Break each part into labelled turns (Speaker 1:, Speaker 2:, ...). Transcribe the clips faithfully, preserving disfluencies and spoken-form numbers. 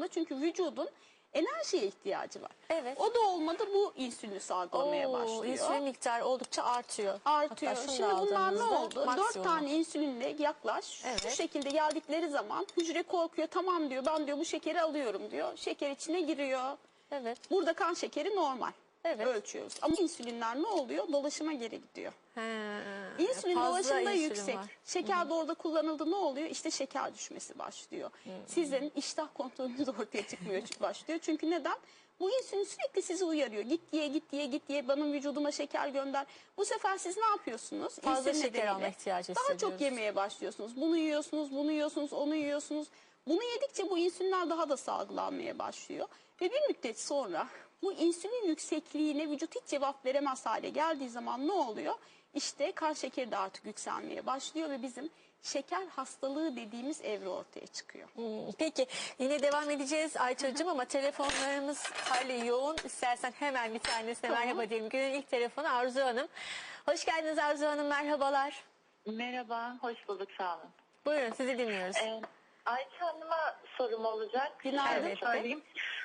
Speaker 1: zorunda. Çünkü vücudun enerjiye ihtiyacı var.
Speaker 2: Evet.
Speaker 1: O da olmadı, bu insülini salgılamaya
Speaker 2: Oo,
Speaker 1: başlıyor.
Speaker 2: insülin miktarı oldukça artıyor.
Speaker 1: Artıyor.
Speaker 2: Hatta şunu
Speaker 1: Şimdi
Speaker 2: da
Speaker 1: bunlar ne
Speaker 2: aldığımızda
Speaker 1: oldu? Dört
Speaker 2: maksimum.
Speaker 1: tane insülinle yaklaş.
Speaker 2: Evet.
Speaker 1: Şu şekilde geldikleri zaman hücre korkuyor. Tamam diyor, ben diyor bu şekeri alıyorum diyor. Şeker içine giriyor.
Speaker 2: Evet.
Speaker 1: Burada kan şekeri normal.
Speaker 2: Evet.
Speaker 1: Ölçüyoruz. Ama insülinler ne oluyor? Dolaşıma geri gidiyor.
Speaker 2: He,
Speaker 1: İnsülin
Speaker 2: fazla
Speaker 1: dolaşımda
Speaker 2: insülin
Speaker 1: yüksek.
Speaker 2: var.
Speaker 1: Şeker de orada kullanıldı, ne oluyor? İşte şeker düşmesi başlıyor. Sizin iştah kontrolünüz ortaya çıkmıyor başlıyor. Çünkü neden? Bu insülin sürekli sizi uyarıyor. Git diye, git diye, git diye, benim vücuduma şeker gönder. Bu sefer siz ne yapıyorsunuz?
Speaker 2: Fazla
Speaker 1: İnsülin
Speaker 2: şeker
Speaker 1: nedeniyle
Speaker 2: alma ihtiyacı
Speaker 1: daha
Speaker 2: hissediyoruz.
Speaker 1: çok yemeye başlıyorsunuz. Bunu yiyorsunuz, bunu yiyorsunuz, onu yiyorsunuz. Bunu yedikçe bu insülinler daha da salgılanmaya başlıyor. Ve bir müddet sonra bu insülin yüksekliğine vücut hiç cevap veremez hale geldiği zaman ne oluyor? İşte kan şekeri de artık yükselmeye başlıyor ve bizim şeker hastalığı dediğimiz evre ortaya çıkıyor.
Speaker 2: Hmm, Peki yine devam edeceğiz Ayça'cığım ama telefonlarımız hali yoğun. İstersen hemen bir tanesine
Speaker 1: Tamam.
Speaker 2: merhaba diyelim. Günün ilk telefonu Arzu Hanım. Hoş geldiniz Arzu Hanım, merhabalar.
Speaker 3: Merhaba, hoş bulduk, sağ olun.
Speaker 2: Buyurun, sizi dinliyoruz.
Speaker 3: Ee, Ayça Hanım'a sorum olacak.
Speaker 1: Günaydın.
Speaker 3: Şöyle söyleyeyim.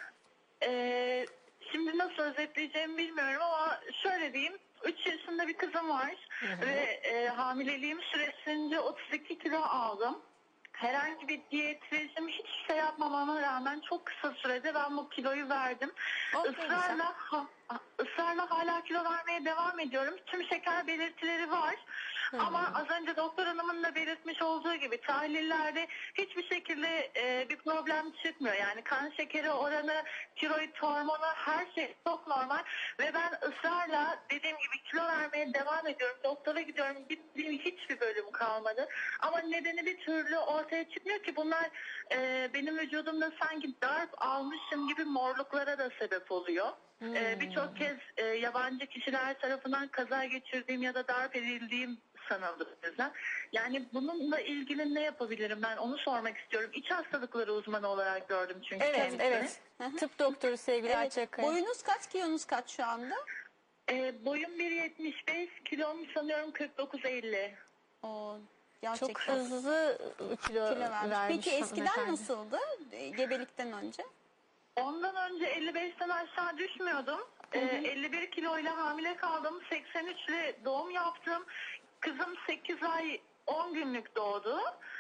Speaker 3: Ee, şimdi nasıl özetleyeceğimi bilmiyorum ama şöyle diyeyim. üç yaşında bir kızım var ve e, hamileliğim süresince otuz iki kilo aldım. Herhangi bir diyet rejim, hiçbir şey yapmamama rağmen çok kısa sürede ben bu kiloyu verdim.
Speaker 2: Oh, ne güzel.
Speaker 3: Israrla, ha, ısrarla hala kilo vermeye devam ediyorum. Tüm şeker belirtileri var. Ama az önce doktor hanımın da belirtmiş olduğu gibi tahlillerde hiçbir şekilde e, bir problem çıkmıyor. Yani kan şekeri oranı, tiroid hormonu, her şey çok normal. Ve ben ısrarla dediğim gibi kilo vermeye devam ediyorum. Doktora gidiyorum. Gittiğim hiçbir bölüm kalmadı. Ama nedeni bir türlü ortaya çıkmıyor ki bunlar e, benim vücudumda sanki darp almışım gibi morluklara da sebep oluyor.
Speaker 2: Hmm.
Speaker 3: E, Birçok kez e, yabancı kişiler tarafından kaza geçirdiğim ya da darp edildiğim sanıldı bizden. Yani bununla ilgili ne yapabilirim, ben onu sormak istiyorum. İç hastalıkları uzmanı olarak gördüm çünkü
Speaker 2: Evet,
Speaker 3: kendisini.
Speaker 2: evet. Tıp doktoru sevgili
Speaker 1: Evet.
Speaker 2: Ayça Kaya.
Speaker 1: Boyunuz kaç, kilonuz kaç şu anda?
Speaker 3: E, boyum bir yetmiş beş, kilom sanıyorum kırk dokuz elli.
Speaker 1: O
Speaker 2: Çok
Speaker 1: gerçekten
Speaker 2: hızlı kilo,
Speaker 1: kilo vermiş.
Speaker 2: vermiş
Speaker 1: Peki eskiden
Speaker 2: hanımefendi.
Speaker 1: nasıldı? E, Gebelikten önce?
Speaker 3: Ondan önce elli beşten aşağı düşmüyordum. Ee, elli bir kiloyla hamile kaldım. seksen üçle doğum yaptım. Kızım sekiz ay on günlük doğdu.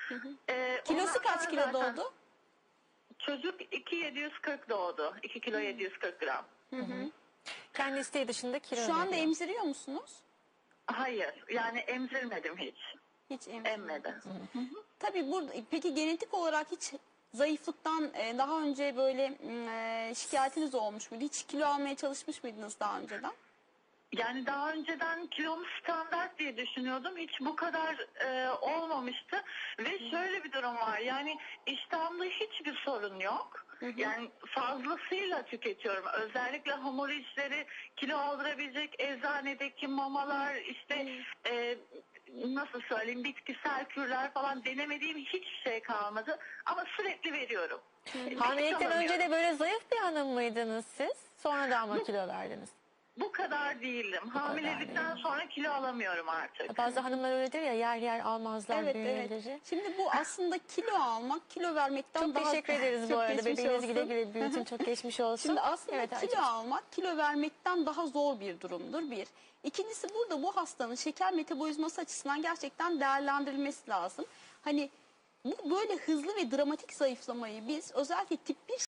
Speaker 3: Ee,
Speaker 1: Kilosu
Speaker 3: ondan
Speaker 1: kaç
Speaker 3: sonra
Speaker 1: kilo
Speaker 3: zaten
Speaker 1: doğdu?
Speaker 3: Çocuk iki yedi yüz kırk doğdu. iki kilo yedi yüz kırk gram.
Speaker 2: Kendi isteği dışında kilo
Speaker 1: Şu anda
Speaker 2: veriyor.
Speaker 1: emziriyor musunuz?
Speaker 3: Hayır, yani emzirmedim hiç.
Speaker 1: Hiç emzirmedim.
Speaker 3: Emmedim.
Speaker 1: Tabii burada, peki genetik olarak hiç zayıflıktan e, daha önce böyle e, şikayetiniz olmuş muydu? Hiç kilo almaya çalışmış mıydınız daha önceden?
Speaker 3: Yani daha önceden kilom standart diye düşünüyordum. Hiç bu kadar e, olmamıştı. Ve şöyle bir durum var. Yani iştahımda hiçbir sorun yok. Yani fazlasıyla tüketiyorum. Özellikle hamur işleri, kilo aldırabilecek eczanedeki mamalar, işte e, nasıl söyleyeyim, bitkisel kürler falan denemediğim hiçbir şey kalmadı. Ama sürekli veriyorum.
Speaker 2: Hamilelikten
Speaker 3: Hiç
Speaker 2: önce de
Speaker 3: alamıyorum.
Speaker 2: böyle zayıf bir hanım mıydınız siz? Sonradan mı kilo verdiniz?
Speaker 3: Bu kadar değildim. Hamilelikten sonra kilo alamıyorum artık.
Speaker 2: Bazı hanımlar öyledir ya, yer yer almazlar
Speaker 1: Evet,
Speaker 2: bünyeleri.
Speaker 1: evet. Şimdi bu aslında kilo almak, kilo vermekten
Speaker 2: Çok
Speaker 1: daha...
Speaker 2: teşekkür ederiz bu
Speaker 1: Çok
Speaker 2: arada.
Speaker 1: geçmiş
Speaker 2: Bebeğinizi güle
Speaker 1: olsun.
Speaker 2: güle büyütün. Çok geçmiş olsun.
Speaker 1: Şimdi aslında
Speaker 2: Evet,
Speaker 1: kilo
Speaker 2: Ayça'cığım.
Speaker 1: almak, kilo vermekten daha zor bir durumdur bir. İkincisi, burada bu hastanın şeker metabolizması açısından gerçekten değerlendirilmesi lazım. Hani bu böyle hızlı ve dramatik zayıflamayı biz özellikle tip bir